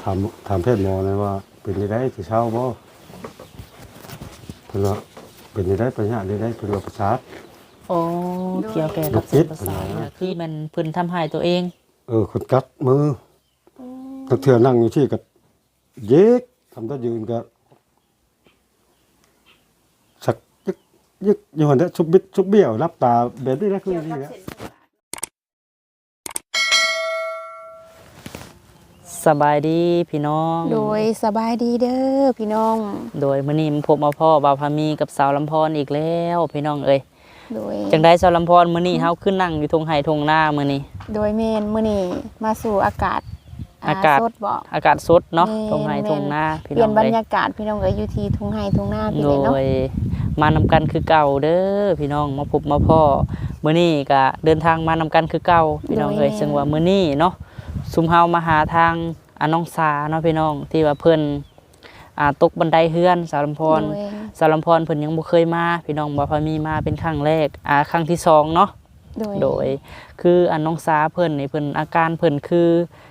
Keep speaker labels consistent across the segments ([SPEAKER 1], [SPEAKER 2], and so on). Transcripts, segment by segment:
[SPEAKER 1] ถามแพทย์หมอเลยว่าเป็นได้สิเช้าบ่เพิ่นว่าเป็นได้ปัญญาได้เพิ่นว่าประสาท
[SPEAKER 2] โอ้เกี่ยวแก่กับเส้นประสาทเนี่ยคือมันเพิ่นทำให้ตัวเอง
[SPEAKER 1] คนกัดมือตั้งเทื่อนั่งอยู่ที่ก็เย็กทำได้ยืนก็สักยึกอยู่หั่นแหละชุบบิดชุบเบี้ยวรับตาแบบนี้นะคือนี่แหละ
[SPEAKER 2] สบายดีพี่น้อง
[SPEAKER 3] โดยสบายดีเด้อพี่น้อง
[SPEAKER 2] โดยมื้อนี้มาพบมาพ่อบ่าวพามีกับสาวลำพรอีกแล้วพี่น้องเอ้ย
[SPEAKER 3] โดย
[SPEAKER 2] จังได๋สาวลำพรมื้อนี้เฮาขึ้นนั่งอยู่ทงไห้ทงนามื้อนี้
[SPEAKER 3] โดยเมนมื้อนี้มาสู่อากาศ
[SPEAKER 2] อากาศ
[SPEAKER 3] สดบ่
[SPEAKER 2] อากาศสดเนาะ
[SPEAKER 3] แม่น
[SPEAKER 2] ทงไห้ทงนา
[SPEAKER 3] เป
[SPEAKER 2] พี่
[SPEAKER 3] ลี่
[SPEAKER 2] น้
[SPEAKER 3] ย
[SPEAKER 2] อน ง
[SPEAKER 3] บร
[SPEAKER 2] เอ้
[SPEAKER 3] ร
[SPEAKER 2] ย
[SPEAKER 3] ยากาศพี่น้องเอ้ยอยู่ที่ทุ่งไร่ทุ่งนาพี่
[SPEAKER 2] โด
[SPEAKER 3] เลยเนาะ
[SPEAKER 2] ยมานำกันคือเก่าเด้อพี่น้องมาพบมาพ่อมื้อนี้ก็เดินทางมานำกันคือเก่าพี่น้องเอ้ยซึ่งว่ามื้อนี้เนาะซุมเฮามาหาทางน้องสาเนาะพี่น้องที่ว่าเพิ่นตกบันไดเฮือนสาวลำพร
[SPEAKER 3] โดย
[SPEAKER 2] สาวลำพรเพิ่นยังบ่เคยมาพี่น้องบ่พามีมาเป็นครั้งแรกครั้งที่สองเนาะ โดยคือน้องสาเพิ่นนี่เพิ่นอาการเพิ่นคือ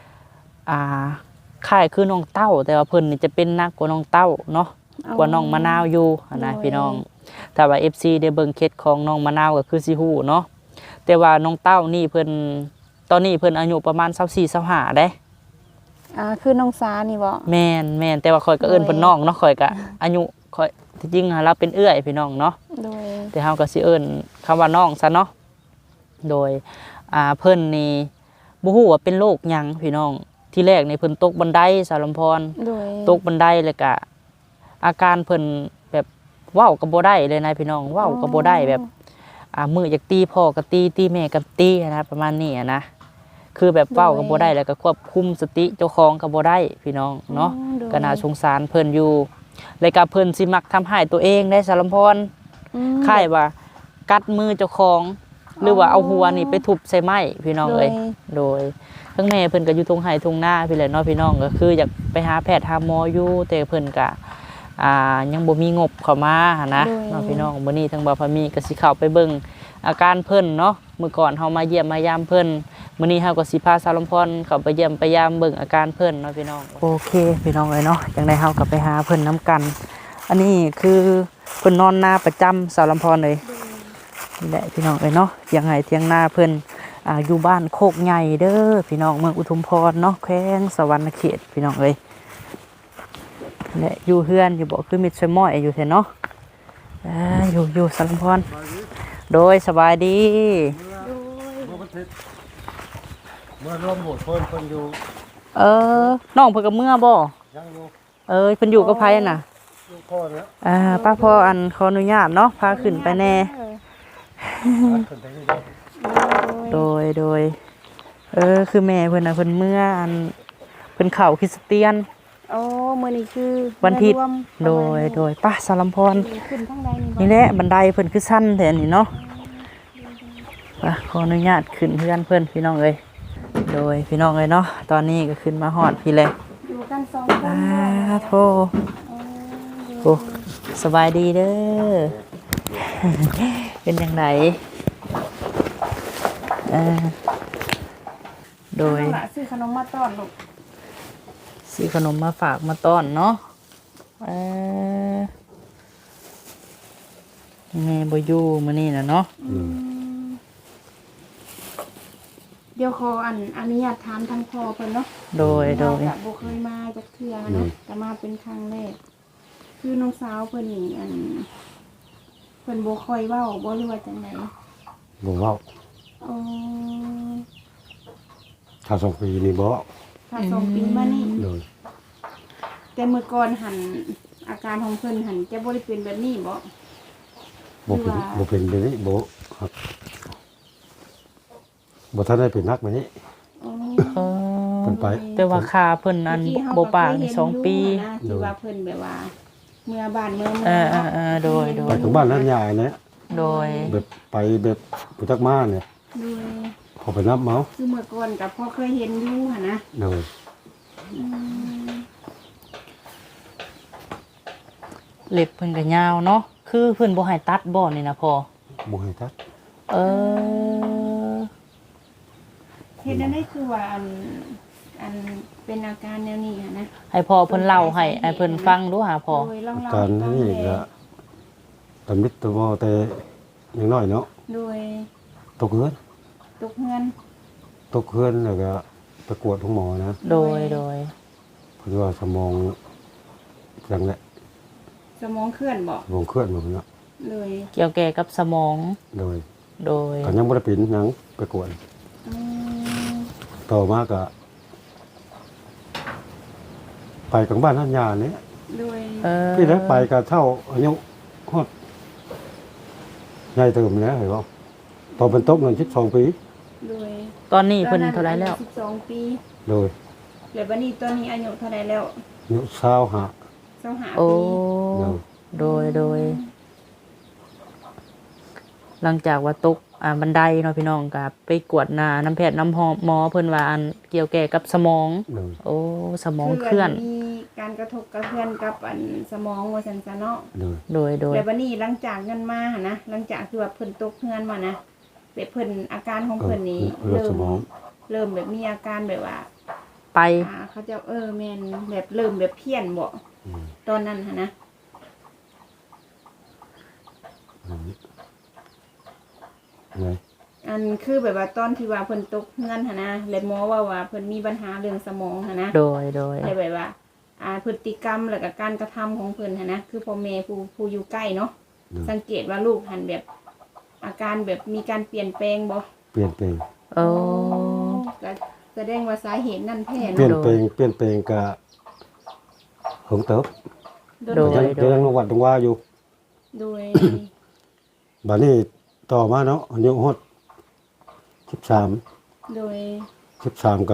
[SPEAKER 2] คล้ายคือน้องเต้า แต่ว่าเพิ่นนี่จะเป็นหนักกว่าน้องเต้าเนาะกว่าน้องมะนาวอยู่นะพี่น้องถ้าว่า FC ได้เบิ่งเคสของน้องมะนาวก็คือสิฮู้เนาะแต่ว่าน้องเต้านี่เพิ่นตอนนี้เพิ่นอายุประมาณ24-25เด้
[SPEAKER 3] คือน้องสานี่บ่
[SPEAKER 2] แม่นแต่ว่าข่อยก็เอิ้นเพิ่นน้องเนาะข่อยก็อายุข่อยที่จริงเราเป็นเอื้อยพี่น้องเนาะ
[SPEAKER 3] โดย
[SPEAKER 2] แต่เฮาก็สิเอิ้นคำว่าน้องซะเนาะโดยเพิ่นนี่บ่ฮู้ว่าเป็นโรคหยังพี่น้องที่แรกนี่เพิ่นตกบันไดสารลำพร
[SPEAKER 3] โดย
[SPEAKER 2] ตกบันไดแล้วก็อาการเพิ่นแบบเว้าก็บ่ได้เลยนะพี่น้องเว้าก็บ่ได้แบบมืออยากตีพ่อก็ตีแม่ก็ตีนะประมาณนี้นะคือแบบเว้าก็บ่ได้แล้วก็ควบคุมสติเจ้าของก็บ่ได้พี่น้องเนาะก็น่าสงสารเพิ่นอยู่แล้วก็เพิ่นสิมักทำให้ตัวเองได้สารลำพรคล้ายว่ากัดมือเจ้าของหรือว่าเอาหัวนี่ไปทุบใส่ไม้พี่น้องเอ้ยโดยทั้งแม่เพิ่นก็อยู่ตรงไห้ตรงหน้าพี่แหละเนาะพี่น้องก็คืออยากไปหาแพทย์หาหมออยู่แต่เพิ่นก็ยังบ่มีงบเข้ามาหันนะเนาะพี่น้องมื้อนี้ทางบ่าวพามีก็สิเข้าไปเบิ่งอาการเพิ่นเนาะมื้อก่อนเฮามาเยี่ยมมายามเพิ่นมื้อนี้เฮาก็สิพาสาวลำพรเข้าไปเยี่ยมไปยามเบิ่งอาการเพิ่นเนาะพี่น้องโอเคพี่น้องเอ้ยเนาะจังได๋เฮาก็ไปหาเพิ่นนํกัน อันนี้คือเพิ่นนอนนาประจำสาวลำพรเลยนี่แหละพี่น้องเอ้ยเนาะเถียงไห้เถียงนาเพิ่นอยู่บ้านโคกใหญ่เด้อพี่น้องเมืองอุทุมพรเนาะแขวงสวรรณเขตพี่น้องเอ้ยและอยู่เฮือนอยู่บ่คือมิตรช่วยม้อยอยู่แท้เนาะอยู่สาวลำพรโดยสบายดี
[SPEAKER 1] เมื่อร่วมโหดเพิ่นอยู่
[SPEAKER 2] น้องเพิ่นกับเมื่อบ่
[SPEAKER 1] ยังอยู่
[SPEAKER 2] เพิ่นอยู่กับไผน่ะ
[SPEAKER 1] อยู่พ่อแล้ว
[SPEAKER 2] ป้าพ่อขออนุญาตเนาะพาขึ้นไปแน่
[SPEAKER 1] ขึ้นไปนี่เด้อ
[SPEAKER 2] โดยคือแม่เพิ่นน่ะเพิ่นเมื่อเพิ่นเข้าคริสเตียน
[SPEAKER 3] โอ้มื้อนี้คือ
[SPEAKER 2] วันอาทิตย์
[SPEAKER 3] รวม
[SPEAKER 2] โดยป้าสารลำพร
[SPEAKER 3] ขึ้นทางใดนี่บ่
[SPEAKER 2] นี่แหละบันไดเพิ่นคือสั้นแท้นี่เนาะขออนุญาตขึ้นเพื่อนเพิ่นพี่น้องเอ้ยโดยพี่น้องเอ้ยเนาะตอนนี้ก็ขึ้นมาฮอดพี่เลย
[SPEAKER 3] อยู่กัน2คน
[SPEAKER 2] โธ่โอ้สบายดีเด้อ เป็นจังไดโดย
[SPEAKER 3] น้องหลาซื้อขนมมาต้อนลูก
[SPEAKER 2] ซื้อขนมมาฝากมาต้อนเนาะแม่บ่อยู่มื้อนี้น่ะเนาะ
[SPEAKER 3] เดี๋ยวขออนุญาตถามทางพ่อเพิ่นเนาะ
[SPEAKER 2] โดย
[SPEAKER 3] เราจะบ่เคยมาจากเทื่อเนาะแต่มาเป็นครั้งแรกคือน้องสาวเพิ่นนี่เพิ่นบ่ค่อยเว้าบ่รู้ว่าจังได๋
[SPEAKER 1] บ่เว้า
[SPEAKER 3] อ๋อ
[SPEAKER 1] ถ้า2 ปีนี่บ่เว้า
[SPEAKER 3] ถ้า2 ปีมานี่
[SPEAKER 1] เลย
[SPEAKER 3] แต่เมื่อก่อนอาการของเพิ่นจะบ่ได้เป็นแบบนี้บ่
[SPEAKER 1] บ่เป็นแบบนี้บ่ครับบ่ทันได้เป็นนักแบบนี้
[SPEAKER 3] อ๋อ
[SPEAKER 1] เพิ่นไป
[SPEAKER 2] แต่ว่าค่าเพิ่นอันบ่ปากนี่2 ปี
[SPEAKER 3] ที่ว่าเพิ่นแบบว่าเมื่อบ้านเมือง
[SPEAKER 2] โดย
[SPEAKER 1] ไปถึงบ้านนั้นยายเนี่ย
[SPEAKER 2] โดย
[SPEAKER 1] แบบไปแบบผู้จักมาเนี่ย
[SPEAKER 3] โดย
[SPEAKER 1] เขาไปนับเมา
[SPEAKER 3] คือเมื่อก่อนก็พอเคยเห็นอยู่หั่นนะ
[SPEAKER 1] เลย
[SPEAKER 2] เล็บเพิ่นก็ยาวเนาะคือเพิ่นบ่ให้ตัดบ่นี่นะพ่อ
[SPEAKER 1] บ่ให้ทัก
[SPEAKER 2] เออ
[SPEAKER 3] เฮ็ดอันนี้คือว่าอันเป็นอาการแนวนี้อะนะ
[SPEAKER 2] ให้พ่อเพิ่นเล่าให้เพิ่นฟังดูหาพ่อ
[SPEAKER 3] โดยลอง
[SPEAKER 1] อา
[SPEAKER 3] เล่า
[SPEAKER 1] การ
[SPEAKER 3] ให้ฟัง
[SPEAKER 1] นี่
[SPEAKER 3] แห
[SPEAKER 1] ก็
[SPEAKER 3] น่
[SPEAKER 1] ตำนิดตะวอแต่ยังน้อยเนาะ
[SPEAKER 3] โดย
[SPEAKER 1] ตกเฮือน
[SPEAKER 3] ตกเฮือน
[SPEAKER 1] ตกเฮือนแล้วก็ไปกวดของหมอนะ
[SPEAKER 2] โดย
[SPEAKER 1] เพิ่นว่าสมองจังแหละ
[SPEAKER 3] สมองเคลื่อนบ่
[SPEAKER 1] สมองเคลื่อนหมดเนาะ
[SPEAKER 3] เลย
[SPEAKER 2] เกี่ยวแก่กับสมอง
[SPEAKER 1] โดย
[SPEAKER 2] โดย
[SPEAKER 1] ก็ยังบ่ได้เป็นหยังไปกวด
[SPEAKER 3] อืม
[SPEAKER 1] ต่อมาก็ไปกับบ้านท่านยาเนี่ย
[SPEAKER 3] โดย
[SPEAKER 1] ที่ได้ไปก็เท่าอายุฮอดใหญ่เติมแล้วเห็นบ่พอเป็นตกนั่น12 ปี
[SPEAKER 3] โดย
[SPEAKER 2] ตอนนี้เพิ่นเท่าไหร่แล้ว
[SPEAKER 3] 12 ปี
[SPEAKER 1] โดย
[SPEAKER 3] แล้วบัดนี้ตอนนี้อายุเท่าไหร่แล้ว
[SPEAKER 1] อายุ25
[SPEAKER 3] 25
[SPEAKER 2] โอ้
[SPEAKER 3] ปี
[SPEAKER 2] โดย หลังจากว่าตกบันไดเนาะพี่น้องก็ไปกวดหน้าน้ำแพทย์น้ำหมอเพิ่นว่าอันเกี่ยวแก่กับสมอง
[SPEAKER 1] โดย
[SPEAKER 2] โอ้สมองเคลื่อน
[SPEAKER 3] มีการกระทบกระเทือนกับอันสมองว่าซั่นซะเนาะ
[SPEAKER 1] โดย
[SPEAKER 2] โดย
[SPEAKER 3] แล้วบัดนี้หลังจากเงินมาหั่นนะหลังจากที่ว่าเพิ่นตกเฮือนมานะแบบเพิ่นอาการของเพิ่นนี่
[SPEAKER 1] เลือดสมอง
[SPEAKER 3] เริ่มแบบมีอาการแบบว่า
[SPEAKER 2] ไป
[SPEAKER 3] เขาจะแม่นแบบเริ่มแบบเพี้ยนบ่
[SPEAKER 1] อืม
[SPEAKER 3] ตอนนั้นหั่นนะ
[SPEAKER 1] ไง
[SPEAKER 3] อันคือแบบว่าตอนที่ว่าเพิ่นตกเฮือนหั่นนะแล้วหมอว่าเพิ่นมีปัญหาเรื่องสมองหั่นนะ
[SPEAKER 2] โดย
[SPEAKER 3] แล้วแบบว่าพฤติกรรมแล้วก็การกระทำของเพิ่นหั่นนะคือพ่อแม่ผู้อยู่ใกล้เนาะ
[SPEAKER 1] โดย
[SPEAKER 3] สังเกตว่าลูกหันแบบอาการแบบมีการเปลี่ยนแปลงบ่
[SPEAKER 1] เปลี่ยนแปลง
[SPEAKER 2] โอ้
[SPEAKER 3] ก็แสดงว่าสาเหตุนั่นแท้
[SPEAKER 1] เปลี่ยน
[SPEAKER 3] เนาะ
[SPEAKER 1] แปลงก็หงเติบ
[SPEAKER 3] โด
[SPEAKER 1] ก็
[SPEAKER 3] ย
[SPEAKER 1] ยังวัดตรงว่าอยู่
[SPEAKER 3] โดย
[SPEAKER 1] บัดนี้ต่อมาเนาะอายุฮอด13
[SPEAKER 3] โดย
[SPEAKER 1] 13ก็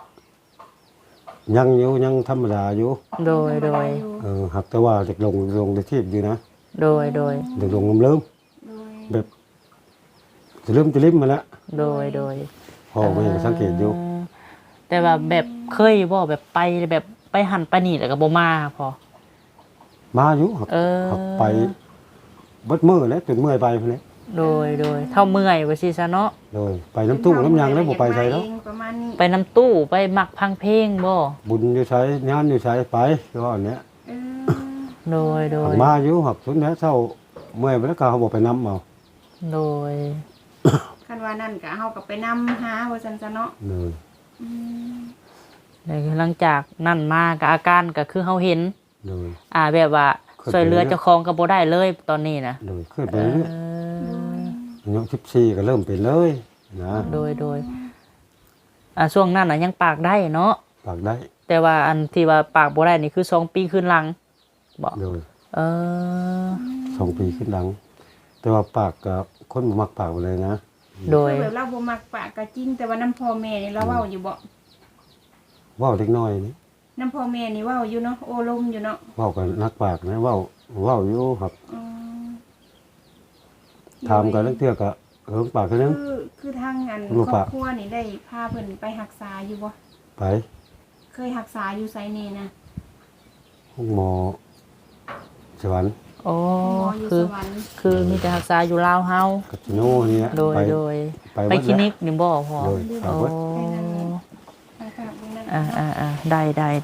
[SPEAKER 1] ยังอยู่ยังธรรมดาอยู่
[SPEAKER 2] โดย
[SPEAKER 1] หักแต่ว่าเด็กลงในทีบอยู่นะ
[SPEAKER 2] โดย
[SPEAKER 1] เด็กลงเริ่ม
[SPEAKER 3] โดย
[SPEAKER 1] แบบจะเริ่มมาแล้ว
[SPEAKER 2] โดย
[SPEAKER 1] พ่อแม่ก็สังเกตอยู่
[SPEAKER 2] แต่ว่าแบบเคยบ่แบบไปหันไปนี่แล้วก็บ่มาพอ
[SPEAKER 1] มาอยู่หัก
[SPEAKER 2] หั
[SPEAKER 1] ไปเบิดมือแล้วจนเมื่อยไปพุ่นแหละ
[SPEAKER 2] โดยเท่าเมื่อยว่าสิซะเนาะ
[SPEAKER 1] โดยไปน้ำตู้น้ำยางแล้วบ่ไปใส่เนาะ
[SPEAKER 3] ประมาณนี้
[SPEAKER 2] ไปน้ำตู้ไปหมักพังเพลงบ่
[SPEAKER 1] บุญอยู่ใช้งานอยู่ใช้ไปคือว่าอันเนี้ย
[SPEAKER 3] เออ
[SPEAKER 2] โดย
[SPEAKER 1] หักมาอยู่หักสุดแล้วเช้าเมื่อยไปแล้วก็เขาบอกไปน้ำเอา
[SPEAKER 2] โดย
[SPEAKER 3] คันว่านั่นก็เฮาก็ไปนำหาว่าซั่นซะเนาะ
[SPEAKER 1] เลย
[SPEAKER 3] อืม
[SPEAKER 2] หลังจากนั่นมาก็อาการก็คือเฮาเห็น
[SPEAKER 1] เลย
[SPEAKER 2] แบบว่าช่วยเหลือเจ้าของก็บ่ได้เลยตอนนี้นะ
[SPEAKER 1] เลยขึ้นไปเรื่อย
[SPEAKER 2] เออ
[SPEAKER 1] อายุ14ก็เริ่มเป็นเลยนะ
[SPEAKER 2] โดยช่วงนั้นน่ะยังปากได้เนาะ
[SPEAKER 1] ปากได้
[SPEAKER 2] แต่ว่าอันที่ว่าปากบ่ได้นี่คือ2 ปีขึ้นหลังบ่
[SPEAKER 1] เลย
[SPEAKER 2] เออ
[SPEAKER 1] 2 ปีขึ้นหลัง แต่ว่าปากกับคนบ่มักปากไปเลยนะ
[SPEAKER 2] โดย
[SPEAKER 3] คือแบบเราบ่มักปากก็จริงแต่ว่าน้ำพ่อแม่นี่เราเว้าอยู่บ่
[SPEAKER 1] เว้าเล็กน้อยนี่
[SPEAKER 3] น้ำพ่อแม่นี่เว้าอยู่เนาะโอ้ลมอยู่เนาะ
[SPEAKER 1] เว้ากันนักปากนะเว้าอยู่ครับ
[SPEAKER 3] อืม
[SPEAKER 1] ถามกันเรื่องเทื่อก็ปากคือนึง
[SPEAKER 3] คือทางอัน
[SPEAKER 1] ลูก
[SPEAKER 3] ครอ
[SPEAKER 1] ปะ
[SPEAKER 3] บครัวนี่ได้พาเพิ่นไปรักษาอยู่บ่
[SPEAKER 1] ไป
[SPEAKER 3] เคยรักษาอยู่ไสนี่นะ
[SPEAKER 1] ห้องหมอสวรรค์
[SPEAKER 2] โอ้
[SPEAKER 3] หมออยู่
[SPEAKER 2] คือ
[SPEAKER 3] สวรรค์
[SPEAKER 2] คือมีแต่รักษาอยู่ลาวเฮา
[SPEAKER 1] กับจิโน่เนี่ย
[SPEAKER 2] โดย
[SPEAKER 1] ไป
[SPEAKER 2] ไปคลินิกนี่บ่พอ
[SPEAKER 1] โดยฝาก
[SPEAKER 2] โอ้
[SPEAKER 1] ไว้
[SPEAKER 3] ทางฝากไว้นั่น
[SPEAKER 2] ได้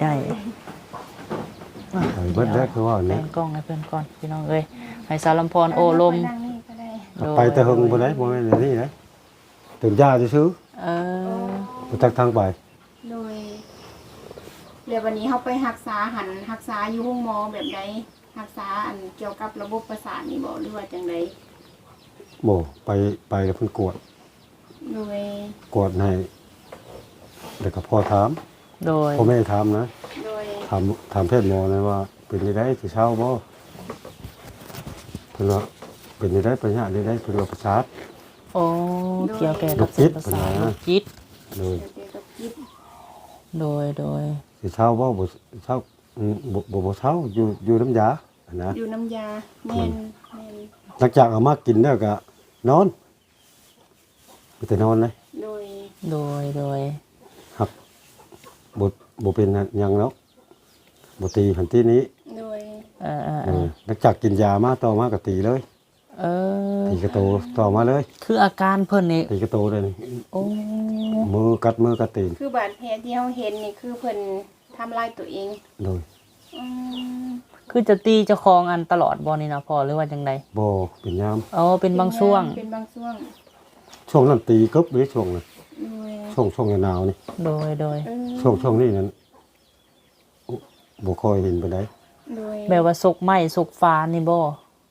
[SPEAKER 1] ไปเบิดได้คือว่า
[SPEAKER 2] แบ่
[SPEAKER 1] เนี่ย
[SPEAKER 2] งกล้องให้เพื่อนก่อนพี่น้องเอ้ยให้สารำพรโอ้ลม
[SPEAKER 3] ไปนั่งนี่ก็ได้
[SPEAKER 1] ไปแต่หึงบ่ได้บ่แม่นอันนี่นะตื่นยาจะซื้อ
[SPEAKER 2] เออ
[SPEAKER 1] บ่จักทางไป
[SPEAKER 3] โดยเดี๋ยววันนี้เฮาไปรักษารักษาอยู่ห้องหมอแบบใดรักษาอันเกี่ยวกับระบบประสาทนี่บ่หรือว่าจังได
[SPEAKER 1] บ่ไปแล้วเพิ่นกวด
[SPEAKER 3] โดย
[SPEAKER 1] กวดให้แล้วก็พ่อถาม
[SPEAKER 2] โดย
[SPEAKER 1] พ่อแม่ถามนะ
[SPEAKER 3] โดย
[SPEAKER 1] ถามเพศหมอนะว่าเป็นจังได๋สิเช้าบ่เพิ่นว่าเป็นจังได๋ปัญหาจังได๋เพิ่นว่าประสาท
[SPEAKER 2] โอ้เกี่ยวแก่กับเส้นประสาทลูกจิต
[SPEAKER 1] เลย
[SPEAKER 3] เกี่ยวกับจิต
[SPEAKER 2] โดย
[SPEAKER 1] สิเช้าบ่เช้าบ่เช้าอยู่น้ำยานะ
[SPEAKER 3] อยู่น้ำยาแม่น
[SPEAKER 1] หลังจากเอามากินแล้วก็นอนมีแต่นอนเลย
[SPEAKER 3] โดย
[SPEAKER 2] โดย
[SPEAKER 1] ครับบ่เป็นหยังแล้วบ่ตีหันตีนี้
[SPEAKER 3] โดย
[SPEAKER 2] เออ
[SPEAKER 1] หลังจากกินยามาต่อมาก็ตีเลย
[SPEAKER 2] เออ
[SPEAKER 1] ตีกระโตต่อมาเลย
[SPEAKER 2] คืออาการเพิ่นนี่
[SPEAKER 1] ตีกระโตเลยนี่
[SPEAKER 2] โอ้
[SPEAKER 1] มือกัดตีน
[SPEAKER 3] คือบาดแผลที่เราเห็นนี่คือเพิ่นทำลายตัวเอง
[SPEAKER 1] โดย
[SPEAKER 3] อืม
[SPEAKER 2] คือจะตีเจ้าของอันตลอดบ่นี่นะพ่อหรือว่าจังได
[SPEAKER 1] บ่เป็นยาม
[SPEAKER 2] อ๋อเป็นบางช่วง
[SPEAKER 3] เป็นบางช่วง
[SPEAKER 1] ช่วงนั้นตีกึบเลยช่วงนั้น
[SPEAKER 3] ด้วย
[SPEAKER 1] ช่วงหนาวนี่
[SPEAKER 2] โดย
[SPEAKER 3] เออ
[SPEAKER 1] ช่วงนี้นั้นบ่ค่อยเห็นปานใด
[SPEAKER 3] ด้วย
[SPEAKER 2] แบบว่าสกไหม้สกฟ้านี่บ่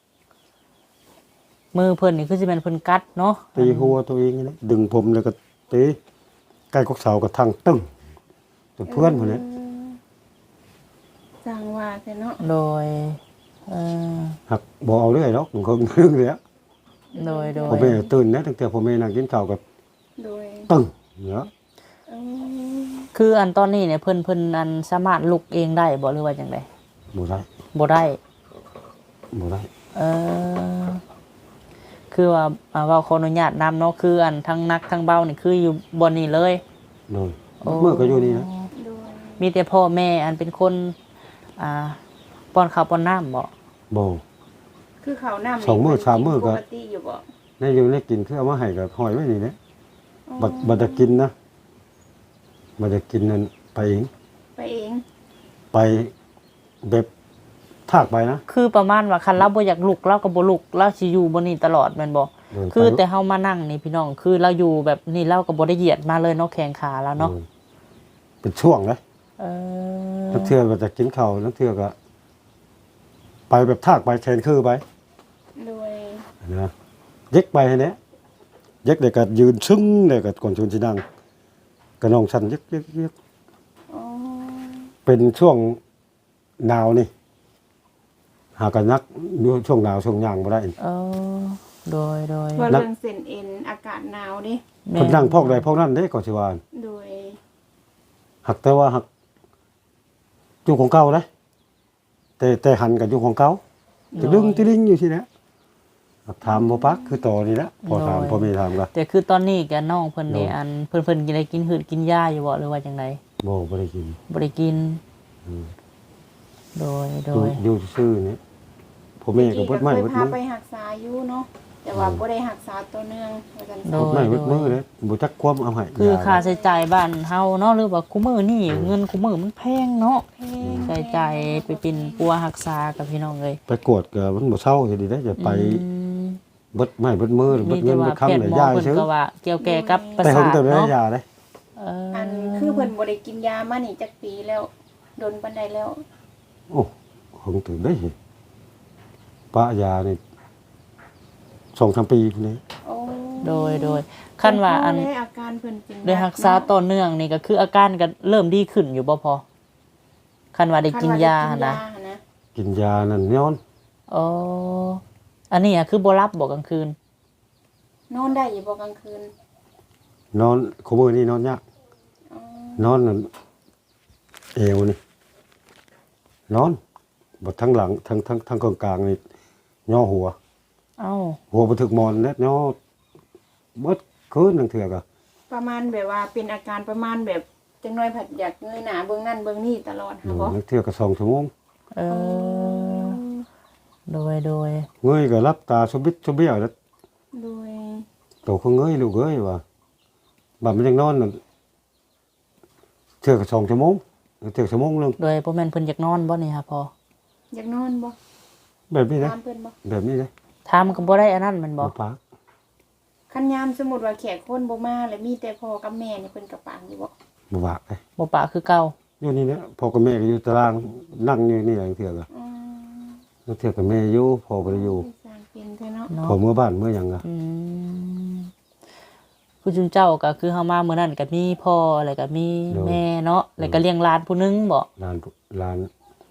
[SPEAKER 2] มือเพิ่นนี่คือสิแม่นเพิ่นกัดเนาะ
[SPEAKER 1] ตีหัวตัวเองนี่แหละดึงผมแล้วก็ตีใกล้กกเสาก็ทั้งตึ้งจนเพื่อนพุ่นแหละ
[SPEAKER 3] จังว่าแต่เนาะ
[SPEAKER 2] โดยเออ
[SPEAKER 1] หักบ่เอาเรื่อยหรอกมันก็เรื่องเลยอะ
[SPEAKER 2] โดย
[SPEAKER 1] ผมไม่ตื่นนะตั้งแต่ผมไม่นั่งกินข้าวก็
[SPEAKER 3] ด้วย
[SPEAKER 1] ตึ้งเนาะ
[SPEAKER 3] เออ
[SPEAKER 2] คืออันตอนนี้เนี่ยเพิ่นอันสามารถลุกเองได้บ่หรือว่าจังได
[SPEAKER 1] บ่ได้
[SPEAKER 2] บ่ได้
[SPEAKER 1] บ่ได้
[SPEAKER 2] เออคือว่าเว้าขออนุญาตนำเนาะคืออันทั้งนักทั้งเบานี่คืออยู่บ่นี่เลย
[SPEAKER 1] โดยเมื่อก็อยู่นี่นะ
[SPEAKER 3] ด้วย
[SPEAKER 2] มีแต่พ่อแม่อันเป็นคนอ่าป้อนข้าวป้อนน้ำบ่
[SPEAKER 1] บ่
[SPEAKER 3] คือเขาน้ำ
[SPEAKER 1] สองมื้อสามมื้อก็
[SPEAKER 3] ปกติอยู่บ่
[SPEAKER 1] ในอยู่ในกินคือเอามาให้ก็หอยไว้นี่แหละบัดจะกินนะบัดจะกินนั่นไปเอง
[SPEAKER 3] ไปเอง
[SPEAKER 1] ไปแบบทากไปนะ
[SPEAKER 2] คือประมาณว่าคันเราบ่อยากลุกเราก็บ่ลุกเราสิอยู่บ่นี่ตลอดแม่นบ่
[SPEAKER 1] เดินไป
[SPEAKER 2] คือแต่เฮามานั่งนี่พี่น้องคือเราอยู่แบบนี่เราก็บ่ได้เหยียดมาเลยเนาะแข้งขาแล้วเนาะ
[SPEAKER 1] เป็นช่วงเลย
[SPEAKER 2] เออ
[SPEAKER 1] นักเทื่อก็จะกินข้าวนักเทื่อก็ไปแบบทากไปแทนคือไป
[SPEAKER 3] ด้วย
[SPEAKER 1] นะเย็กไปให้เนี้ยเย็กเด็กก็ยืนซึ้งเด็กก็ก่อนชวนสินั่งก็น้องฉันเย็ก
[SPEAKER 3] อ๋อ
[SPEAKER 1] เป็นช่วงหนาวนี่หากันนักดูช่วงหนาวช่วงย่างบ่ได้
[SPEAKER 2] เออโดย
[SPEAKER 3] ว่าเรื่องเส้นเอ็นอากาศหนาวดิ
[SPEAKER 2] แม่
[SPEAKER 1] คนนั่งพอกใดพอกนั้นเด้ก่อนสิว่า
[SPEAKER 3] ด้วย
[SPEAKER 1] หักแต่ว่าหักอยู่ของเก่าเลยแต่หันกับอยู่ของเก่าจะดึงติลิงอยู่ที่เนี้ยถามบ่ปักคือต่อนี่แหละพอถามพอมีถามก็
[SPEAKER 2] แต่คือตอนนี้แกน้องเพิ่นนี่
[SPEAKER 1] โดย
[SPEAKER 2] อันเพิ่นกินอะไรกินหืดกินยาอยู่บ่หรือว่าจังได
[SPEAKER 1] บ่ได้กิน
[SPEAKER 2] บ่ได้กิน
[SPEAKER 1] อืม
[SPEAKER 2] โดย
[SPEAKER 1] อยู่ซื่อๆนี่ผมเองก็เบิดไม้
[SPEAKER 3] เคย
[SPEAKER 1] เบิด
[SPEAKER 3] พา
[SPEAKER 1] มือ
[SPEAKER 3] ไปรักษาอยู่เนาะแต่ว่าบ่ได้รักษาตัวเนื่องว่าซั่น
[SPEAKER 2] โด
[SPEAKER 3] ซะ
[SPEAKER 1] เบิด
[SPEAKER 2] ย
[SPEAKER 1] ไม้เบิดมือเลยบ่จักความเอาให้
[SPEAKER 2] คือค่าใช้จ่ายบ้านเฮาเนาะหรือว่าคุมื้อนี่เงินคุมื้อมันแพงเนาะ
[SPEAKER 3] เพลง
[SPEAKER 2] ใช้จ่ายไปเป็นปัวรักษากับพี่น้องเอ้ย
[SPEAKER 1] ไปกวดก็มันบ่เศร้าสิดีได้จะไป
[SPEAKER 2] อืม
[SPEAKER 1] เบิดไม้เบิดมือเบิ
[SPEAKER 2] มี
[SPEAKER 1] ดเงิ
[SPEAKER 2] แต่
[SPEAKER 1] น
[SPEAKER 2] ว่า
[SPEAKER 1] เบิด
[SPEAKER 2] แพ
[SPEAKER 1] คำ
[SPEAKER 2] ทย์
[SPEAKER 1] ได้
[SPEAKER 2] หมอย
[SPEAKER 1] า
[SPEAKER 2] เพิ่น
[SPEAKER 1] ซื้อ
[SPEAKER 2] ก็ว่าเกี่ยวแก่กับประ
[SPEAKER 1] แต่
[SPEAKER 2] สา
[SPEAKER 1] ผม
[SPEAKER 2] ท
[SPEAKER 1] แต่ได้
[SPEAKER 2] เนาะ
[SPEAKER 1] ยาเด้
[SPEAKER 2] เออ
[SPEAKER 3] อันคือเพิ่นบ่ได้กินยามานี่จักปีแล้วโดนปานใดแล้ว
[SPEAKER 1] โอ้ผมถึงได้ปะยานี่2-3 ปีพุ่นนี้
[SPEAKER 3] โอ้
[SPEAKER 2] โดยคันว่าอัน
[SPEAKER 3] ได้อาการเพิ่นเป็น
[SPEAKER 2] โดยรักษาต่อเนื่องนี่ก็คืออาการก็เริ่มดีขึ้นอยู่บ่พอคันว่าได้กินยาหั่นนะ
[SPEAKER 1] กินยานั่นย้อน
[SPEAKER 2] อ๋ออันนี้อะคือบ่รับบ่กลางคืน
[SPEAKER 3] นอนได้อยู่บ่กลางคืน
[SPEAKER 1] นอนคุมื้อนี้นอนยาก
[SPEAKER 3] อ๋อน
[SPEAKER 1] อนนั่นเอวนี่นอนบ่ทั้งหลังทั้งกลางๆนี่ย่อหัว
[SPEAKER 2] เอ้า
[SPEAKER 1] หัวบ่ถึกหมอนเน็ดย่อเบิดคืนนึงเทื่อก็
[SPEAKER 3] ประมาณแบบว่าเป็นอาการประมาณแบบจังน้อยผัดอยากเงยหน้าเบิ่งนั่นเบิ่งนี่ตลอดค่ะบ่
[SPEAKER 1] นึกเทื่อก็2 ชั่วโมง
[SPEAKER 2] เออโดย
[SPEAKER 1] เงยก็รับตาสุบิดสุเบี้ยวแล้ว
[SPEAKER 3] โดย
[SPEAKER 1] โตก็เงยลูกเอ้ยว่าบัดมันยังนอนนั่นเทื่อก็2 ชั่วโมงเทื่อชั่วโมงนึง
[SPEAKER 2] โดยบ่แม่นเพิ่นอยากนอนบ่นี่ค่ะพอ
[SPEAKER 3] อยากนอนบ่
[SPEAKER 1] แบบนี้นะ
[SPEAKER 3] ตามเพิ่นบ่
[SPEAKER 1] แบบนี้นะ
[SPEAKER 2] ถามก็บ่ได้อันนั้นแมันบ่
[SPEAKER 1] บ่ปาก
[SPEAKER 3] คันยามสมมุติว่าแขกคนบ่มาแล้วมีแต่พ่อกับแม่นี่เพิ่นก็ปางอยู่บ่
[SPEAKER 1] บ่ปากเลย
[SPEAKER 2] บ่ปะคือเก่า
[SPEAKER 1] อยู่นี่นะพ่อกับแม่ก็อยู่ตารางนั่งอยู่นี่อย่างเทื่อก็
[SPEAKER 3] อืม
[SPEAKER 1] แล้วเทื่อกับแม่อยู่พ่อบ่ได้อยู่
[SPEAKER 3] สร้างเป็นแท้เนาะ
[SPEAKER 2] เนาะ
[SPEAKER 1] พ่อเมื่อบ้านเมื่อหยังก็
[SPEAKER 2] อืมผู้จุนเจ้าก็คือเฮามามื้อนั้นก็มีพ่อแล้วก็มีแม่เนาะแล้วก็เลี้ยงหลานผู้หนึงบ่
[SPEAKER 1] หลาน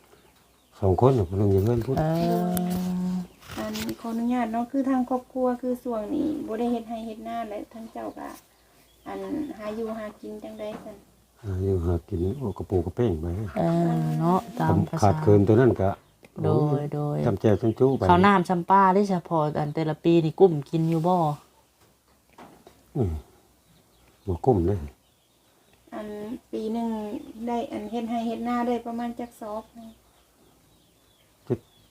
[SPEAKER 1] 2 คนน่ะเพิ่นอยู่เฮือนพุ่น
[SPEAKER 2] เออ
[SPEAKER 3] อันขออนุญาตเนาะคือทางครอบครัวคือช่วงนี้บ่ได้เฮ็ดให้เฮ็ดนาและทั้งเจ้าก็อันหาอยู่หากินจังได๋ซั่น
[SPEAKER 1] อยู่หากินโอ้กระปูกระเป้งไป
[SPEAKER 2] เออเนาะตามภา
[SPEAKER 1] ขา
[SPEAKER 2] ษา
[SPEAKER 1] ดเคินตัวนั้นก็
[SPEAKER 2] โดย
[SPEAKER 1] จำแจวจำจู้ไป
[SPEAKER 2] ข้าวน้ำชำปลาได้เฉพาะอันแต่ละปีนี่กุ้มกินอยู่บ่
[SPEAKER 1] อืมบ่กุ้มเลย
[SPEAKER 3] อันปีหนึงได้อันเฮ็ดให้เฮ็ดนาได้ประมาณจักซอบ
[SPEAKER 1] 7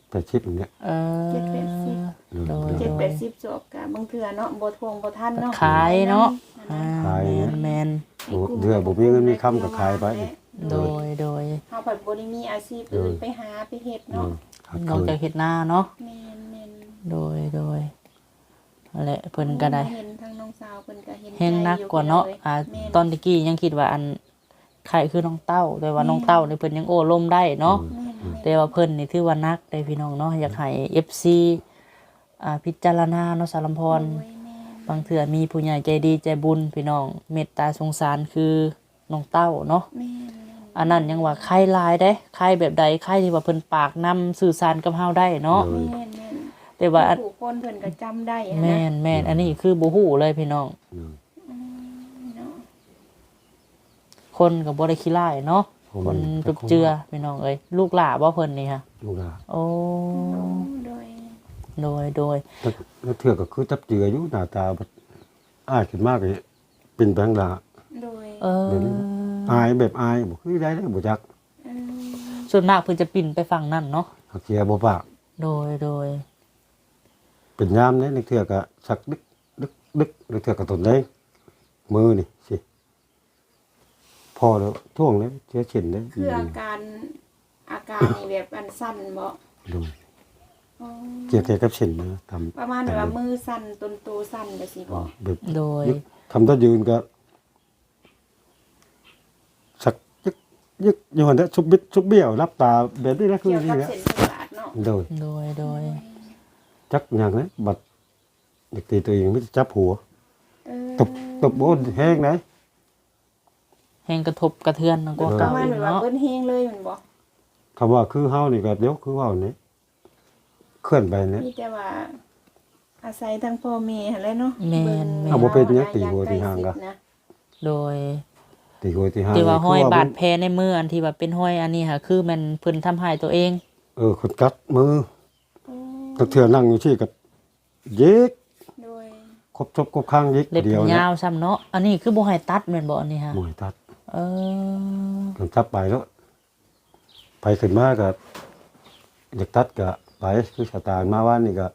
[SPEAKER 1] 80อย่างเงี้ย
[SPEAKER 2] โดย
[SPEAKER 3] 7-80จบกะบางเทื่อเนาะบ่ทวงบ่ทันเนาะ
[SPEAKER 2] ขายเนาะ
[SPEAKER 1] ขายเนี่ย
[SPEAKER 2] แม่น
[SPEAKER 1] เดือบ่มีเงินมีคำก็ขายไป
[SPEAKER 2] โดย
[SPEAKER 3] เฮาแบบบ่ได้มีอาชีพอื่นไปหาไปเฮ็ดเนาะ
[SPEAKER 2] นอกจากเฮ็ดนาเนาะ
[SPEAKER 3] แม่น
[SPEAKER 2] โดยนั่นแหละเพิ่นก็ได้
[SPEAKER 3] เห็นทางน้องสาวเพิ่นก็เห็น
[SPEAKER 2] แห้งนักกว่าเนาะตอนตะกี้ยังคิดว่าอันไข่คือน้องเต้า แต่ว่าน้องเต้านี่เพิ่นยังโอ้ลมได้เนาะแต่ว่าเพิ่นนี่ถือว่านักได้พี่น้องเนาะอยากให้ FC พิจารณาเนาะสารมพรบางเทื่อมีผู้ใหญ่ใจดีใจบุญพี่น้องเมตตาสงสารคือน้องเต้าเนาะอันนั้นยังว่าไข่หลายได้ไข่แบบใดไข่ที่ว่าเพิ่นปากนำสื่อสารกับเฮาได้เนาะแต่ว่า
[SPEAKER 3] ผู้คนเพิ่นก็จำได้นะ
[SPEAKER 2] แม่นอันนี้คือบ่ฮู้เลยพี่น้อง
[SPEAKER 3] เนาะ
[SPEAKER 2] คนก็บ่ได้ขี้ร้ายเนาะคนจุบเจือพี่น้องเอ้ยลูกหลาบ่เพิ่นนี่ค่ะ
[SPEAKER 1] ลูกหลาน
[SPEAKER 2] โอ้
[SPEAKER 3] โดย
[SPEAKER 2] โดย
[SPEAKER 1] แล้วเทื่อก็คือจับเจืออยู่หน้าตาแบบอ้ายขึ้นมากเลยเป็นแบงค์ลา
[SPEAKER 3] โดย
[SPEAKER 1] อายแบบอายบ่คือได้บ่จัก
[SPEAKER 2] ส่วนมากเพิ่นจะปิ่นไปฝั่งนั้นเนาะ
[SPEAKER 1] หักเสียบ่ปาก
[SPEAKER 2] โดย
[SPEAKER 1] เป็นยามเนี่ยนึกเทื่อก็สักดึกนึกเทื่อก็ตนได้มือนี่สิพอแล้วท่วงแล้วเสียเฉินได้
[SPEAKER 3] คืออาการนี่แบบอันสั้นบ่
[SPEAKER 1] ดู
[SPEAKER 3] อ๋อ
[SPEAKER 1] เกี่ยวกับเฉินนะทำ
[SPEAKER 3] ประมาณแบบว่ามือสั้นต้นโตสั้นจังซี่บ่
[SPEAKER 1] แบบ
[SPEAKER 2] โดย
[SPEAKER 1] ทำท่ายืนก็สักยึกอยู่หั่นเด้อชุบบิดชุบเบี้ยวรับตาแบบนี้นะคือ
[SPEAKER 3] เกี่ยว
[SPEAKER 1] นี่
[SPEAKER 3] กับ
[SPEAKER 1] แหละ
[SPEAKER 3] เส้นประสาทเนาะ
[SPEAKER 1] โดย
[SPEAKER 2] โดย
[SPEAKER 1] จักอย่างนะบัดเด็กตีตัวเองไม่จับหัว
[SPEAKER 3] เออ
[SPEAKER 1] ตบโอ้แห้งไหน
[SPEAKER 2] แห่งกระทบกระเทือนกว่า
[SPEAKER 3] ป
[SPEAKER 2] เก่า
[SPEAKER 3] ระมาณ
[SPEAKER 2] อีก
[SPEAKER 3] แบบว่า
[SPEAKER 2] เนาะ
[SPEAKER 3] เบิ้นเฮงเลยแมันบ่
[SPEAKER 1] คำว่าคือเฮานี่ก็เดี๋ยวคือเว่านี่เคลื่อนไปเนี่ย
[SPEAKER 3] มีแต่ว่าอาศัยทางพ่อแม่หั่นแหละเนาะ
[SPEAKER 2] แม่น
[SPEAKER 1] เอาบ่เป็นหยังตีหัวตีหางกะ
[SPEAKER 3] นะ
[SPEAKER 2] โดย
[SPEAKER 1] ตีหัวตีหาง
[SPEAKER 2] ที่ว่าห้อย
[SPEAKER 1] คื
[SPEAKER 2] บาดแผลในมืออันที่ว่าเป็นห้อยอันนี้ค่ะคือมันเพิ่นทำให้ตัวเอง
[SPEAKER 1] คนกัดมือ
[SPEAKER 3] โอ้
[SPEAKER 1] ตะเถื่อนั่งอยู่ที่กับเย็ก
[SPEAKER 3] โดย
[SPEAKER 1] ครบทบครบข้างเย็ก
[SPEAKER 2] เล็บ
[SPEAKER 1] เดียว
[SPEAKER 2] ยา
[SPEAKER 1] นะ
[SPEAKER 2] วซ้ำเนาะอันนี้คือบ่ให้ตัดแม่นบ่อันนี้ค่ะ
[SPEAKER 1] หมวยตัด
[SPEAKER 2] เออ
[SPEAKER 1] กันจับไปแล้ว ไปขึ้นมากับอยากตัดก็ไปคือสตาร์มาว่านนี่ก็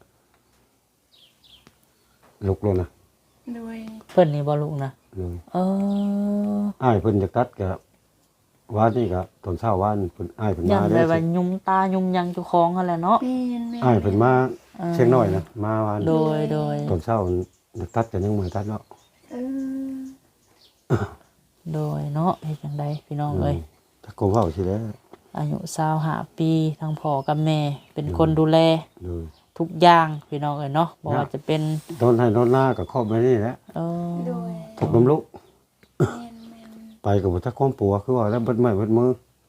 [SPEAKER 1] ลุกแล้วนะ
[SPEAKER 3] โดย
[SPEAKER 2] เพิ่นนี่บ่ลูกนะ
[SPEAKER 1] เลย
[SPEAKER 2] เออ
[SPEAKER 1] อ้ายเพิ่นอยากตัดก็ว่านนี่ก็ตอนเช้าว่านเพิ่นอ้ายเพิ่น
[SPEAKER 2] ยั
[SPEAKER 1] มาน
[SPEAKER 2] ไป
[SPEAKER 1] ได้
[SPEAKER 2] ว่ายุมตายุมหยังเจ้าของนั่นแหละเนาะ
[SPEAKER 3] แม่น
[SPEAKER 1] อ้ายเพิ่นมาเชียงน้อยนะมาว่าน
[SPEAKER 2] โดย
[SPEAKER 1] ตอนเช้าอยากตัดก็ยังบ่ให้ตัดเนาะ
[SPEAKER 3] เออ
[SPEAKER 2] โดยเนาะเฮ็ดจังไดพี่น้องเอ้ย
[SPEAKER 1] ถ้าโกเว้าสิแล้ว
[SPEAKER 2] อายุ25ปีทั้งพ่อกับแม่เป็นคนดูแล
[SPEAKER 1] เลย
[SPEAKER 2] ทุกอย่างพี่น้องเอ้ยเนาะบ่ว่าจะเป็น
[SPEAKER 1] โดนให้โดนหน้าก็ครอบไว้นี่แหละ
[SPEAKER 2] เออ
[SPEAKER 3] โดย
[SPEAKER 1] ถูกน้ำลุก
[SPEAKER 3] แม่น
[SPEAKER 1] ไปกับบ่จักความปัวคือว่าแล้วเบิดไม้เบิดมือ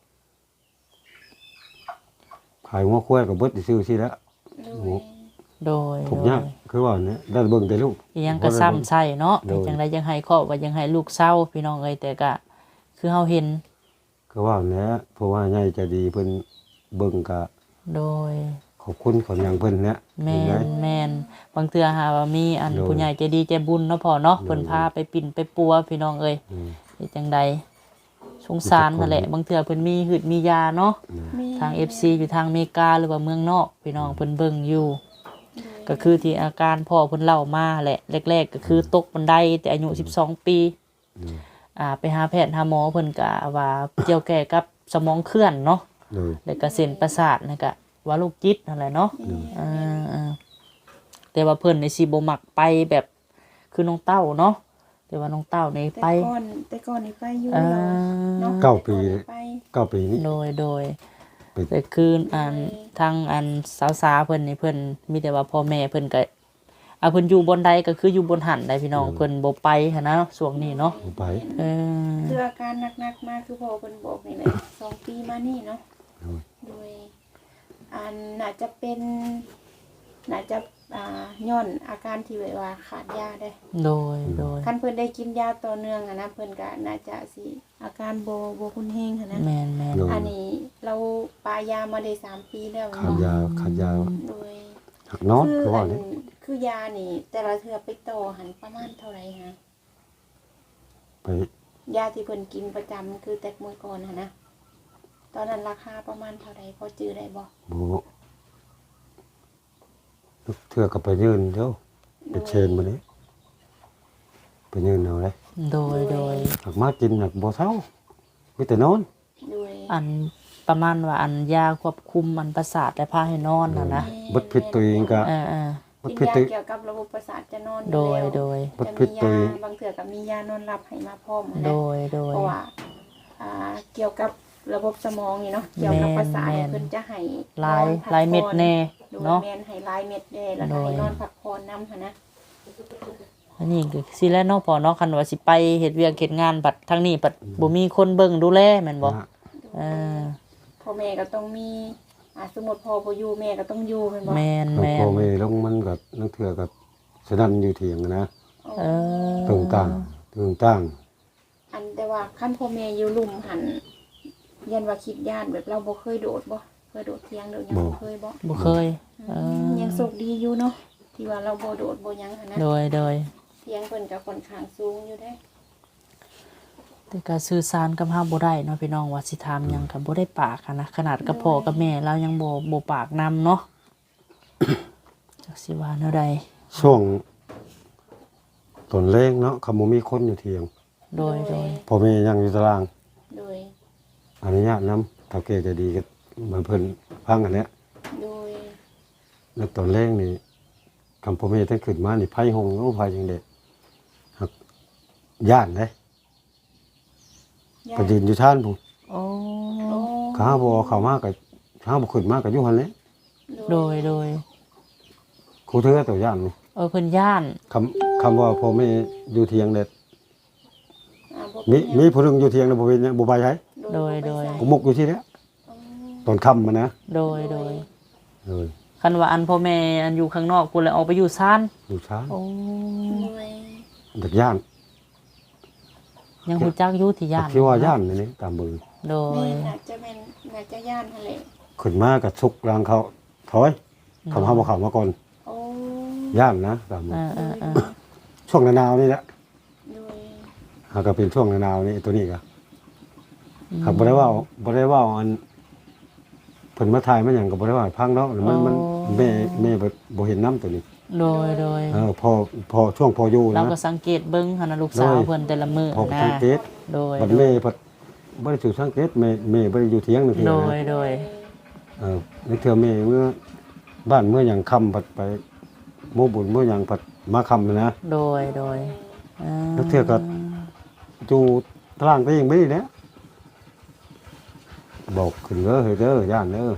[SPEAKER 1] ขายหัวควายก็เบิดซื่อๆสิแล้ว
[SPEAKER 3] ๆโดย
[SPEAKER 2] โดย
[SPEAKER 1] ถูกยากคือว่าเนี่ยได้เบิ่งแต่ลูก
[SPEAKER 2] อีหยังก็ซ้ำใส่เนาะ
[SPEAKER 1] โดย
[SPEAKER 2] จังไดยังให้ครอบว่ายังให้ลูกเศร้าพี่น้องเอ้ยแต่ก็คือเฮาเห็น
[SPEAKER 1] คือว่าเนี่ยเพราะว่าใหญ่ใจะดีเพิ่นเบิ่งก็
[SPEAKER 2] โดย
[SPEAKER 1] ขอบคุณของอย่างเพิ่นเนี่ย
[SPEAKER 2] แม่
[SPEAKER 1] เห็นไหม
[SPEAKER 2] นแม่นบางเทื่อหาว่ามีอัน
[SPEAKER 1] โดย
[SPEAKER 2] ผู้ใหญ่ใจดีใจบุญเนาะพ่อเนาะ
[SPEAKER 1] โดย
[SPEAKER 2] เพิ่นพาไปปิ่นไปปัวพี่น้องเอ้ย
[SPEAKER 1] อืม
[SPEAKER 2] เฮ็ดจังใดสงสารนั่นแหละบางเทื่อเพิ่นมีหืดมียาเนาะ
[SPEAKER 3] แม่น
[SPEAKER 2] ทาง FC อยู่ทางอเมริกาหรือว่าเมืองนอกพี่น้องเพิ่นเบิ่งอยู่ ก็คือที่อาการพ่อเพิ่นเล่ามาแหละแรกๆก็คือตกบันไดแต่อายุ12 ปี
[SPEAKER 1] อืม
[SPEAKER 2] ไปหาแพทย์หาหมอเพิ่นก็ว่าเกี่ยวแก่กับสมองเคลื่อนเนาะ
[SPEAKER 1] เลย
[SPEAKER 2] แล้วก็เส้นประสาทนั่นก็ว่าโรคจิตนั่นแหละเนาะแต่ว่าเพิ่นนี่สิบ่มักไปแบบคือน้องเต้าเนาะแต่ว่าน้องเต้านี่ไป
[SPEAKER 3] แต่ก่อนนี่ไปอยู่
[SPEAKER 2] เออ
[SPEAKER 3] เนาะ
[SPEAKER 1] 9 ปี
[SPEAKER 3] แต่ก่อนนี่ไป
[SPEAKER 1] 9 ปีนี้
[SPEAKER 2] โดย
[SPEAKER 1] เป็น
[SPEAKER 2] แต่คือทางสาวๆเพิ่นนี่เพิ่นมีแต่ว่าพ่อแม่เพิ่นก็เพิ่นอยู่บนใดก็คืออยู่บนหันได้พี่น้องเพิ่นบ่ไปหันนะช่วงนี้เนาะ
[SPEAKER 1] ไป
[SPEAKER 2] เออ
[SPEAKER 3] คืออาการหนักๆมากคือพ่อเพิ่นบอกนี่แหละ 2 ปีมานี่เนาะ โดยน่าจะเป็นน่าจะย้อนอาการที่แบบว่าขาดยาได้
[SPEAKER 2] โดย
[SPEAKER 3] คันเพิ่นได้กินยาต่อเนื่องอะนะเพิ่นก็น่าจะสิอาการบ่คุนแฮงหันนะ
[SPEAKER 2] แม่น
[SPEAKER 3] อันนี้เราปายามาได้3 ปีแล้ว
[SPEAKER 1] ขาด
[SPEAKER 3] เนาะ
[SPEAKER 1] ยาขาดยา
[SPEAKER 3] โดย
[SPEAKER 1] หักนอน
[SPEAKER 3] คื
[SPEAKER 1] คือว่าเนี่ย
[SPEAKER 3] คือยานี่ แต่ละเทื่อไปต่อหันประมาณเท่าไหร่ฮะ
[SPEAKER 1] ไป
[SPEAKER 3] ยาที่เพิ่นกินประจำคือแต่มื้อก่อนหั่นนะตอนนั้นราคาประมาณเท่าไหร่พอจื้อได้บ่
[SPEAKER 1] บ่เทื่อก็ไปยืนเดี๋ยวไปเชนมานี้ไปยืนเอาเลย
[SPEAKER 2] โดย
[SPEAKER 1] หักมากินหักบ่เช้ามีแต่นอน
[SPEAKER 3] โดย
[SPEAKER 2] อันประมาณว่าอันยาควบคุมอันประสาทและพาให้นอนน่ะนะ
[SPEAKER 1] บดพิษตัวเองก็
[SPEAKER 2] เออ
[SPEAKER 1] บด
[SPEAKER 3] กิน
[SPEAKER 1] พิษ
[SPEAKER 3] ยา
[SPEAKER 1] ตัว
[SPEAKER 3] เกี่ยวกับระบบประสาทจะนอน
[SPEAKER 2] โดย
[SPEAKER 3] แล้ว
[SPEAKER 2] โดย
[SPEAKER 1] บด
[SPEAKER 3] จะ
[SPEAKER 1] พิ
[SPEAKER 3] มี
[SPEAKER 1] ษตัว
[SPEAKER 3] ยา
[SPEAKER 1] เอง
[SPEAKER 3] บางเถื่อกับมียานอนหลับให้มาพร้อมนะ
[SPEAKER 2] โดย โดย
[SPEAKER 3] เพราะว่าเกี่ยวกับระบบสมองนี่เนาะเกี่ยวกับประสาทเนี่ย
[SPEAKER 2] แม่น
[SPEAKER 3] เพิ่นจะให้
[SPEAKER 2] ลาย
[SPEAKER 3] นอนพัก
[SPEAKER 2] ลายเม็ด
[SPEAKER 3] ผ่อน
[SPEAKER 2] แน่
[SPEAKER 3] โดย
[SPEAKER 2] เนาะ
[SPEAKER 3] แม่นให้ลายเม็ดแน่แล้วก็
[SPEAKER 2] โดย
[SPEAKER 3] ให้นอนพักผ่อนนำหั่นนะ
[SPEAKER 2] อันนี้ก็สิแลเนาะพอเนาะคันว่าสิไปเฮ็ดเวียกเฮ็ดงานบัดทางนี้บัดบ่มีคนเบิ่งดูแลแม่นบ่
[SPEAKER 1] นะ
[SPEAKER 2] เออ
[SPEAKER 3] พ่อแม่ก็ต้องมีสมมุติพ่อบ่อยู่แม่ก็ต้องอยู่แม่นบ่
[SPEAKER 2] แม่น
[SPEAKER 1] แล้ว
[SPEAKER 2] แม่
[SPEAKER 1] พอน แม่ลงมันก็นังเทื่อก็สนั่นอยู่เถียงนะ
[SPEAKER 2] เออ
[SPEAKER 1] ตึงตั้งตึงตั้ง
[SPEAKER 3] อันแต่ว่าคันพ่อแม่อยู่ลุ่มหันยันว่าคิดย่านแบบเราบ่เคยโดดบ่เคยโดดเที่ยงโดดหยังบ่เคยบ่
[SPEAKER 2] บ่เคย
[SPEAKER 3] ยังโชคดีอยู่เนาะที่ว่าเราบ่โดดบ่หยังหั่นนะ
[SPEAKER 2] โดย โดย
[SPEAKER 3] เที่ยงเพิ่นก็ค่อนข้างสูงอยู่เด้
[SPEAKER 2] แต่ก็สื่อสารกับเฮาบ่ได้เนาะพี่น้องว่าสิถามหยังก็บ่ได้ปากหั้นนะขนาดกับพ่อกับแม่เรายังบ่ปากนำเนาะ จักสิว่าแนวใด
[SPEAKER 1] ช่วงตอนแรงเนาะคำบ่มีคนอยู่เถียง
[SPEAKER 2] โดย โดย
[SPEAKER 1] พ่อแม่ยังอยู่ตาราง
[SPEAKER 3] โดย
[SPEAKER 1] อนุญาตนำถ้าเกจะดีก็มาเพิ่นฟังอันเนี้ย
[SPEAKER 3] โดย
[SPEAKER 1] แล้วตอนแรกนี่คำพ่อแม่ท่านขึ้นมานี่ไผหงโอ้ไผจังได๋หักย่านเด้
[SPEAKER 3] ย่า
[SPEAKER 1] ก็ยืนอยู่ท่านพุ่น
[SPEAKER 2] โอ้
[SPEAKER 3] โอ้
[SPEAKER 1] ข้าบ่เข้ามาก็ข้าบ่ขึ้นมาก็อยู่หั่นแหละ
[SPEAKER 2] โดย โดย
[SPEAKER 1] ครูเทือตัวย่านนี่
[SPEAKER 2] เพิ่นย่าน
[SPEAKER 1] คำว่าพ่อแม่อยู่เถียงเด็ด
[SPEAKER 3] บ่
[SPEAKER 1] มี
[SPEAKER 3] เป็นหยัง
[SPEAKER 1] มีผู้หนึงอยู่เถียงแล้วบ่เป็นหยังบ่ไปไส
[SPEAKER 2] โดย โดย
[SPEAKER 1] กูมุกอยู่ที่เนี้ย
[SPEAKER 3] อ๋อ
[SPEAKER 1] ตอนค่ำมานะ
[SPEAKER 2] โดย โดย
[SPEAKER 1] เออ
[SPEAKER 2] คันว่าอันพ่อแม่อันอยู่ข้างนอกพุ่นแล้วออกไปอยู่ซ่าน
[SPEAKER 1] อยู่ช้า
[SPEAKER 2] โอ้
[SPEAKER 3] โดย
[SPEAKER 1] เด็กย่าน
[SPEAKER 2] ยังฮู้จักอยู่ที่ย่าน
[SPEAKER 1] ที่ว่าย่านนี่ตามเบิ่ง
[SPEAKER 2] โด
[SPEAKER 3] แม่
[SPEAKER 2] ย
[SPEAKER 3] น่าจะเป็นน่าจะย่านหั่นแหละ
[SPEAKER 1] ขึ้นมาก็ชุกรางเขาถอยคำเฮาบ่เข้ามาก่อน
[SPEAKER 3] โอ้
[SPEAKER 1] ย่านนะตามเบิ่ง
[SPEAKER 2] เออ
[SPEAKER 1] ช่วงหนาวนี่แหละ
[SPEAKER 3] โดย
[SPEAKER 1] หากก็เป็นช่วงหนาวนี่ตัวนี้ก็หากบ่ได้เว้าอันเพิ่นมาถ่ายมาหยังก็บ่ได้ว่าให้พังเนาะมันแม่บ่เห็นน้ำตัวนี้
[SPEAKER 2] โดย โดย
[SPEAKER 1] พอช่วงพออยู่
[SPEAKER 2] เรา
[SPEAKER 1] นะ
[SPEAKER 2] ก็สังเกตเบิ่งหั่นน่ะลูกสาว
[SPEAKER 1] โดย
[SPEAKER 2] เพิ่นแต่ละมื้อ
[SPEAKER 1] พอ
[SPEAKER 2] นะ
[SPEAKER 1] สังเกต
[SPEAKER 2] โดย
[SPEAKER 1] บัดแม่เพิ่นบ่ได้ถูกสังเกตแม่บ่ได้อยู่เถียงนั่นคือ
[SPEAKER 2] โด
[SPEAKER 1] นะ
[SPEAKER 2] ย โดย
[SPEAKER 1] ในเทื่อแม่เมื่อบ้านเมื่อหยังค่ำผัดไปโมบุญเมื่อหยังผัดมาค่ำนะ
[SPEAKER 2] โดย โดย
[SPEAKER 1] แล้วเทื่อก็อยู่ตารางไปเองไม่ได้แล้วบอกขึ้นเด้อเฮ้ยเด้อย่านเด้อ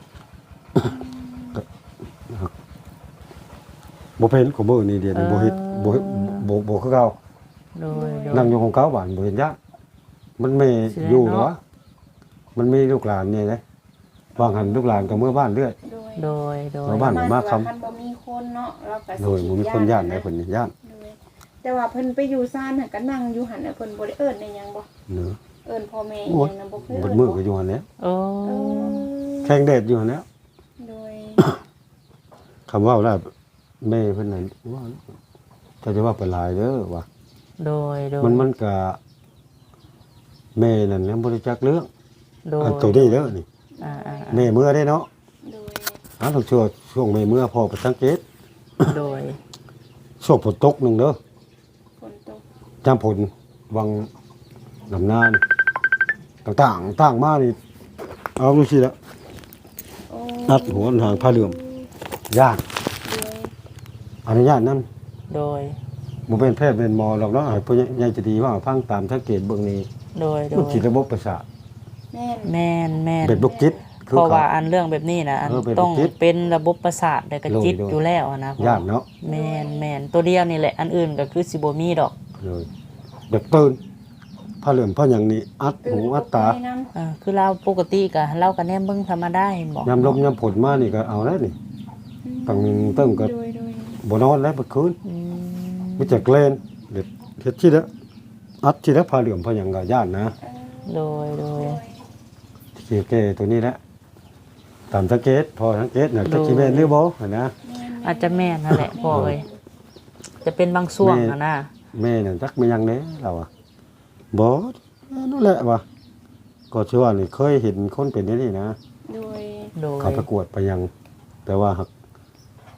[SPEAKER 1] บ่เป็นของมื้อนี้เดี๋ยวนี้บ่เฮ็ดบ่คือเก่า
[SPEAKER 2] โดย โดย
[SPEAKER 1] นั่งอยู่ของเก่าบ้านบ่เห็นยะมันไม่
[SPEAKER 2] เสีย
[SPEAKER 1] อยู่เหร
[SPEAKER 2] เนาะ
[SPEAKER 1] อมันมีลูกหลานนี่นะบางหันลูกหลานก็เมื่อบ้านเรื่อย
[SPEAKER 3] โดย
[SPEAKER 2] โดย โดย
[SPEAKER 1] ชาวบ้าน มาคำ
[SPEAKER 3] คันบ่มีคนเนาะเราก็
[SPEAKER 1] โดยบ่มีคนย่านได้เพิ่นนี่ย่าน
[SPEAKER 3] โดยแต่ว่าเพิ่นไปอยู่ซ่านหั่นก็นั่งอยู่หั่นน่ะเพิ่นบ่ได้เอิ้นได้หยังบ่
[SPEAKER 1] เนาะ
[SPEAKER 3] เอิ้นพ่อแม่อี
[SPEAKER 1] โอ้
[SPEAKER 3] ห
[SPEAKER 1] ย
[SPEAKER 3] ยังน่ะบ่เคย
[SPEAKER 1] บ
[SPEAKER 3] เอิ้
[SPEAKER 1] น
[SPEAKER 3] น
[SPEAKER 1] มือก็อยู่หั่นแหล้ว
[SPEAKER 2] โอ้
[SPEAKER 3] เออ
[SPEAKER 1] แข่งเดชอยู่หั่นแหล้ว
[SPEAKER 3] โดย
[SPEAKER 1] คำว่าแล้วแม่เพิ่นน่ะว่าถ้าจะว่าไปหลายเด้อว่า
[SPEAKER 2] โดย โดย
[SPEAKER 1] มันก็แม่นั่นแหละบ่ได้จักเรื่อง
[SPEAKER 2] โดย
[SPEAKER 1] อันตัวนี้เด้อนี่
[SPEAKER 2] อ่า
[SPEAKER 1] แม่เมื่อได้เนาะ
[SPEAKER 3] โดย
[SPEAKER 1] ต้องช่วงแม่เมื่อพอไปสังเกต
[SPEAKER 2] โดย
[SPEAKER 1] ช่วงฝนตกหนึงเด้อ
[SPEAKER 3] ฝนตก
[SPEAKER 1] จำผลวังลำนานต่างมานี่เอาดูสิละ
[SPEAKER 3] โอ้
[SPEAKER 1] นัดหัวทางผ้าเหลื่อมย่าน
[SPEAKER 3] โดย
[SPEAKER 1] อนุญาตนำ
[SPEAKER 2] โดย
[SPEAKER 1] บ่เป็นแพทย์เป็นหมอหรอกเนาะให้ผู้ใหญ่จะดีว่าฟังตามสังเกตเบื้องนี้
[SPEAKER 2] โดย โด
[SPEAKER 1] มัน
[SPEAKER 2] ย
[SPEAKER 1] จิตระบบประสาท
[SPEAKER 3] แม่น
[SPEAKER 2] แม่นแม่น
[SPEAKER 1] เป็นโรคจิตคือ
[SPEAKER 2] เพราะ
[SPEAKER 1] เขา
[SPEAKER 2] ว่าอันเรื่องแบบนี้นะอัน
[SPEAKER 1] เป็น
[SPEAKER 2] ต้อง
[SPEAKER 1] จิต
[SPEAKER 2] เป็นระบบประสาทและก็
[SPEAKER 1] โดย
[SPEAKER 2] จิต
[SPEAKER 1] โดย
[SPEAKER 2] อยู่แล้วอะนะพ่อ
[SPEAKER 1] ย่านเนาะ
[SPEAKER 2] แม่นแม่นตัวเดียวนี่แหละ อันอื่นก็คือสิบ่มีดอก
[SPEAKER 1] เลยแบบตื่นผ้าเหลื่อมผ้าหยังนี่อัดหูอัดตา
[SPEAKER 3] ตื่นตกใจนำ
[SPEAKER 2] คือเราปกติก็เราก็แนมเบิ่งธรรมดาเห็นบ่
[SPEAKER 1] ยามลมยามฝนมานี่ก็เอาแล้วนี่ตั้งเติมก็
[SPEAKER 3] โดย
[SPEAKER 1] บ่นอนแล้วเมื่อคืน
[SPEAKER 2] อืม
[SPEAKER 1] มีแต่เกลนเด็ดเฮ็ดที่ละอัดที่ละผ้าเหลื่อมผ้าหยังก็ย่านนะ
[SPEAKER 2] โดย โดย
[SPEAKER 1] ที่แก้ตัวนี้แหละตามสังเกตพอสังเกตน่ะจะสิแม่นหรือบ่นะ
[SPEAKER 2] อาจจะแม่นนั่นแหละพ่อเอ้ยจะเป็นบางช่วงนะนะ
[SPEAKER 1] แม่น่ะจักไม่ยังเด้เราอ่ะบ่นั่นแหละว่ะก็ชื่อว่านี่เคยเห็นคนเป็นอย่างนี้นะ
[SPEAKER 3] โดย
[SPEAKER 2] โดย
[SPEAKER 1] เขาประกวดไปยัง แต่ว่าหัก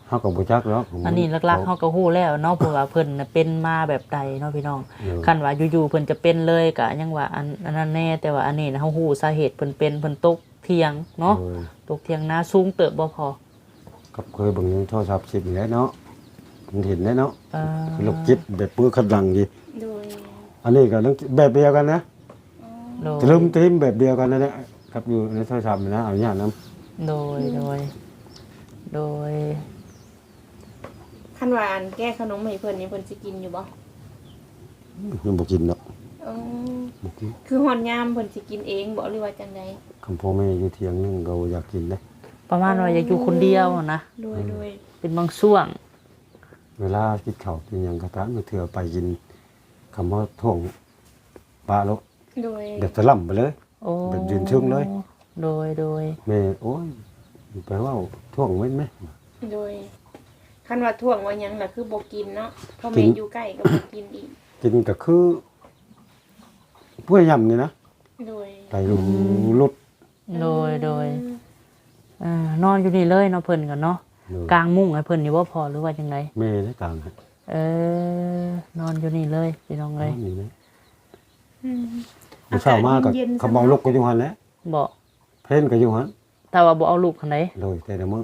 [SPEAKER 1] เฮาก็บ่จักหรอก
[SPEAKER 2] อันนี้หลักๆเฮาก็ฮู้แล้วเนาะเพราะว่าเพิ่นน่ะเป็นมาแบบใดเนาะพี่น้องคันว่าอยู่ๆเพิ่นจะเป็นเลยก็ยังว่าอันนั้นแน่แต่ว่าอันนี้นะเฮาฮู้สาเหตุเพิ่นเป็นเพิ่นตกเถียงเนาะตกเถียงนาสูงเติบบ่พอ
[SPEAKER 1] กับเคยเบิ่งโทรศัพท์สินี่แหละเนาะมันเห็นได้เนาะ
[SPEAKER 2] อ
[SPEAKER 1] โรคจิตแบบปื้อคันดังดี
[SPEAKER 3] โดย
[SPEAKER 1] อันนี้ก็เรื่องแบบเดียวกันนะ
[SPEAKER 2] โดย
[SPEAKER 1] จะลืมทิมแบบเดียวกันนั่นแหละครับอยู่ในโทรศัพท์นี่นะเอาญาตนํ
[SPEAKER 2] โดยโดย
[SPEAKER 3] คันว่าอันแก้ขนมให้เพิ่นนี่เพิ่นสิกินอยู่บ่
[SPEAKER 1] ยังบ่กินเนาะ
[SPEAKER 3] เออ
[SPEAKER 1] บ่กิน
[SPEAKER 3] คือฮอดยามเพิ่นสิกินเองบ่หรือว่าจังได
[SPEAKER 1] คำพ่อแม่อยู่เถียงนึงก็อยากกินเด้
[SPEAKER 2] ประมาณว่าอยากอยู่คนเดียวนะ
[SPEAKER 3] โดย
[SPEAKER 2] เป็นบางช่วง
[SPEAKER 1] เวลากินข้าวกินหยังก็ตามเถื่อไปกินคำว่าท่วงปลาโล
[SPEAKER 3] โดย
[SPEAKER 1] แบบสล่ำไปเลย
[SPEAKER 2] โอ้
[SPEAKER 1] แบบยืนชึ่งเลย
[SPEAKER 2] โดย
[SPEAKER 1] แม่โอ้ยไปว่าท่วงเว้นไหม
[SPEAKER 3] โดยคันว่าท่วงว่าหยังล่ะคือบ่กินเนาะเพราะแม่อยู่ใกล้ก็บ่กินอีก
[SPEAKER 1] กินก็คือเพื่อยำนี่นะ
[SPEAKER 3] โดย
[SPEAKER 1] ไปลุด
[SPEAKER 2] โดยนอนอยู่นี่เลยเนาะเพิ่นกันเนาะกลางมุ้งให้เพิ่นนี่บ่พอหรือว่าจังได
[SPEAKER 1] แม่ได้กลางฮะ
[SPEAKER 2] นอนอยู่นี่เลยพี่น้องเอ้ย
[SPEAKER 1] นี่นะ
[SPEAKER 3] อืม
[SPEAKER 1] เช้ามาก็
[SPEAKER 3] เย็นๆ
[SPEAKER 1] เขาเมาลุกก็อยู่หันแหล้ว
[SPEAKER 2] บ่
[SPEAKER 1] เพ่นก็อยู่หัน
[SPEAKER 2] ถ้าว่าบ่เอาลูกคันใด
[SPEAKER 1] เลยแต่ละมื้อ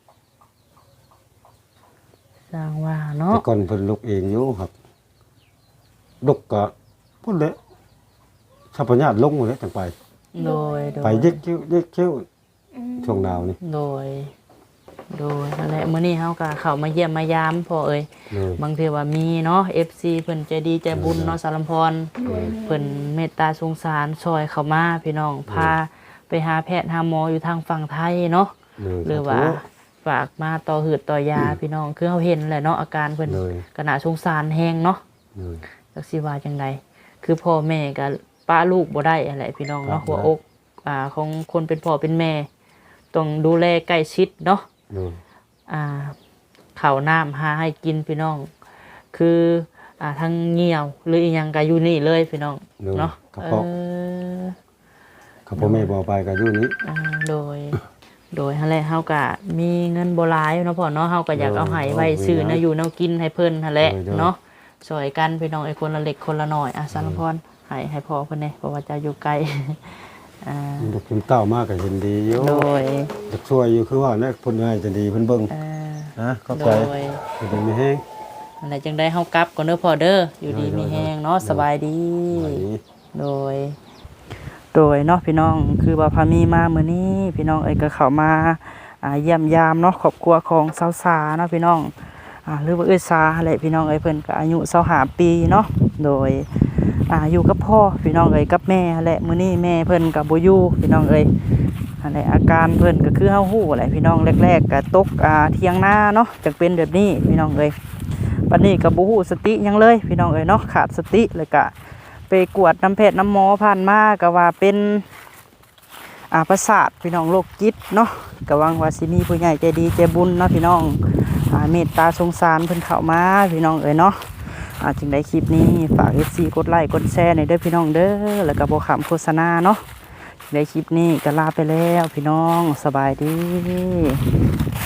[SPEAKER 2] สร้างว่าเนาะ
[SPEAKER 1] แต่ก่อนเพิ่นลุกเองอยู่ครับลุกก็พุ่นแหละถ้าปัญญาลงหมดแล้วจังไป
[SPEAKER 2] โดย
[SPEAKER 1] ไปเย็กเขี้ยว
[SPEAKER 3] อืม
[SPEAKER 1] ช่วงดาวนี่
[SPEAKER 2] โดยนั่นแหละมื้อนี้เฮาก็เข้ามาเยี่ยมมายามพ่อเอ้ย
[SPEAKER 1] เลย
[SPEAKER 2] บางเทื่อว่ามีเนาะ FC เพิ่นใจดีใจบุญเนาะสารมพร
[SPEAKER 3] โดย
[SPEAKER 2] เพิ่นเมตตาสงสารช่วยเข้ามาพี่น้องพาไปหาแพทย์หาหมออยู่ทางฝั่งไทยเนาะ
[SPEAKER 1] เลย
[SPEAKER 2] หรือว่าฝากมาต่อหืดต่อยาพี่น้องคือเฮาเห็นแหละเนาะอาการเพิ่น
[SPEAKER 1] เลย
[SPEAKER 2] ก็น่าสงสารแฮงเนาะ
[SPEAKER 1] เลย
[SPEAKER 2] จักสิว่าจังไดคือพ่อแม่ก็ป้าลูกบ่ได้อะไรพี่น้องเนาะ
[SPEAKER 1] ครับ
[SPEAKER 2] หัวอกของคนเป็นพ่อเป็นแม่ต้องดูแลใกล้ชิดเนาะ
[SPEAKER 1] เลย
[SPEAKER 2] ข้าวน้ำหาให้กินพี่น้อง คือทั้งเหี่ยวหรืออีหยังก็อยู่นี่เลยพี่น้อง
[SPEAKER 1] เลย
[SPEAKER 2] เนาะ
[SPEAKER 1] กระเพาะกระเพาะแม่บ่ไปก็อยู่นี้
[SPEAKER 2] โดยหั่นแหละเฮาก็มีเงินบ่หลายเนาะพ่อเนาะเฮาก็อยากเอาให้ไว้ซื้อนะอยู่แนวกินให้เพิ่นหั่นแหละเนาะช่วยกันพี่น้องไอ้คนละเล็กคนละน้อยสารพรให้พ่อเพิ่นแน่เพราะว่าจะอยู่ไกล
[SPEAKER 1] ลูกกินเต้ามากก็เห็นดีอยู่
[SPEAKER 2] โดย
[SPEAKER 1] อยากช่วยอยู่คือว่าเนี่ยเพิ่นง่ายจะดีเพิ่นเบิ่งนะเข้า
[SPEAKER 2] โด
[SPEAKER 1] ใจ
[SPEAKER 2] ย
[SPEAKER 1] เพิ่นไม่แห้ง
[SPEAKER 2] อะไรจังได้เฮากลับก่อนเด้อพ่อเด้ออยู่ดีมีแฮงเนาะสบายดี
[SPEAKER 1] ไหว
[SPEAKER 2] โดยเนาะพี่น้องคือว่าพามีมามื้อนี้พี่น้องเอ้ยก็เข้ามาเยี่ยมยามเนาะครอบครัวของสาวสาเนาะพี่น้องหรือว่าเอ้ยสาแหละพี่น้องเอ้ยเพิ่นก็อายุ25ปีเนาะโดยอยู่กับพ่อพี่น้องเอ้ยกับแม่แหละมื้อนี้แม่เพิ่นก็บ่อยู่พี่น้องเอ้ยอันนี้อาการเพิ่นก็คือเฮาฮู้แหละพี่น้องแรกๆก็ตกเถียงนาเนาะจังเป็นแบบนี้พี่น้องเอ้ยบัดนี้ก็บ่ฮู้สติหยังเลยพี่น้องเอ้ยเนาะขาดสติเลยก็ไปกวดน้ำแพทย์น้ำหมอผ่านมาก็ว่าเป็นประสาทพี่น้องโรคจิตเนาะก็หวังว่าสิมีผู้ใหญ่ใจดีใจบุญเนาะพี่น้องเมตตาสงสารเพิ่นเข้ามาพี่น้องเอ้ยเนาะจึงได้คลิปนี้ฝาก FC กดไลค์กดแชร์หน่อยเด้อพี่น้องเด้อแล้วก็บ่ขำโฆษณาเนาะในคลิปนี้ก็ลาไปแล้วพี่น้องสบายดี